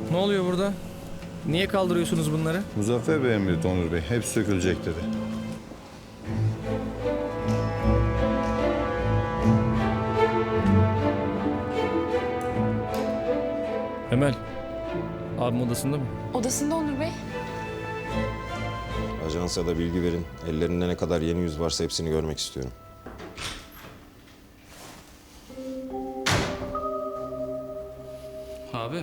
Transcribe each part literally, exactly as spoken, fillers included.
Ne oluyor burada? Niye kaldırıyorsunuz bunları? Muzaffer Bey emretti Onur Bey. Hepsi sökülecek dedi. Emel. Abim odasında mı? Odasında Onur Bey. Ajansa da bilgi verin. Ellerinde ne kadar yeni yüz varsa hepsini görmek istiyorum. Abi.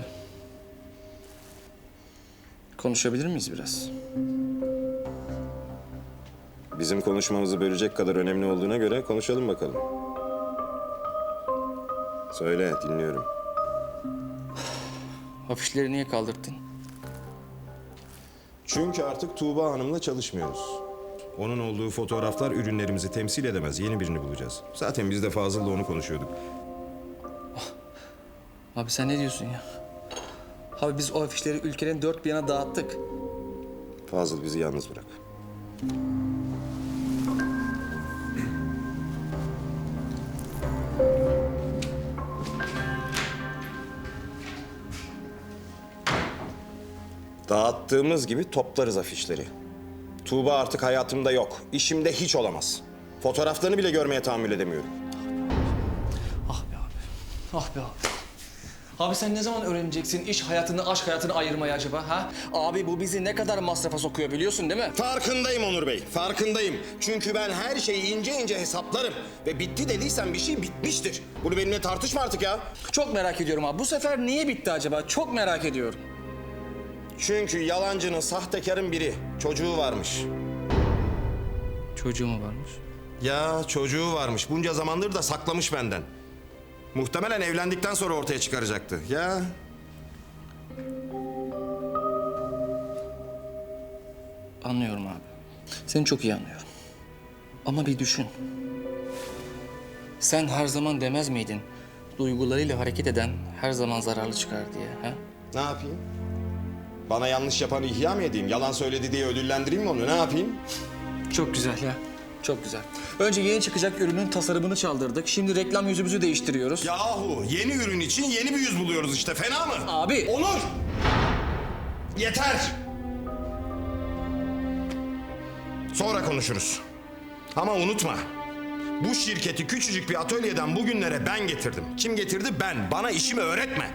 Konuşabilir miyiz biraz? Bizim konuşmamızı bölecek kadar önemli olduğuna göre konuşalım bakalım. Söyle, dinliyorum. Afişleri niye kaldırttın? Çünkü artık Tuğba Hanım'la çalışmıyoruz. Onun olduğu fotoğraflar ürünlerimizi temsil edemez. Yeni birini bulacağız. Zaten biz de Fazıl'la onu konuşuyorduk. Abi sen ne diyorsun ya? Abi biz o afişleri ülkenin dört bir yana dağıttık. Fazıl bizi yalnız bırak. Dağıttığımız gibi toplarız afişleri. Tuğba artık hayatımda yok. İşimde hiç olamaz. Fotoğraflarını bile görmeye tahammül edemiyorum. Ah be abi. Ah be abi. Abi sen ne zaman öğreneceksin iş hayatını, aşk hayatını ayırmayı acaba ha? Abi bu bizi ne kadar masrafa sokuyor biliyorsun değil mi? Farkındayım Onur Bey, farkındayım. Çünkü ben her şeyi ince ince hesaplarım. Ve bitti dediysen bir şey bitmiştir. Bunu benimle tartışma artık ya. Çok merak ediyorum abi. Bu sefer niye bitti acaba? Çok merak ediyorum. Çünkü yalancının, sahtekarın biri. Çocuğu varmış. Çocuğu mu varmış? Ya çocuğu varmış. Bunca zamandır da saklamış benden. Muhtemelen evlendikten sonra ortaya çıkaracaktı. Ya Anlıyorum abi. Seni çok iyi anlıyorum. Ama bir düşün. Sen her zaman demez miydin? Duygularıyla hareket eden her zaman zararlı çıkar diye. Ha? ne yapayım? Bana yanlış yapanı ihya mı edeyim? Yalan söyledi diye ödüllendireyim mi onu? Ne yapayım? Çok güzel ya. Çok güzel. Önce yeni çıkacak ürünün tasarımını çaldırdık. Şimdi reklam yüzümüzü değiştiriyoruz. Yahu yeni ürün için yeni bir yüz buluyoruz işte. Fena mı? Abi. Onur! Yeter! Sonra konuşuruz. Ama unutma. Bu şirketi küçücük bir atölyeden bugünlere ben getirdim. Kim getirdi? Ben. Bana işimi öğretme.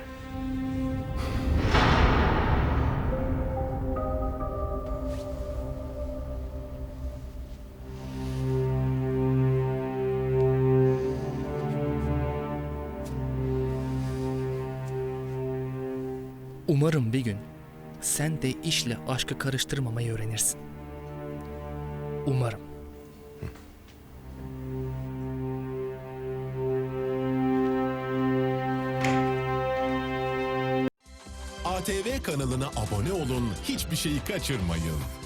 Umarım bir gün sen de işle aşkı karıştırmamayı öğrenirsin. Umarım. A T V kanalına abone olun, hiçbir şeyi kaçırmayın.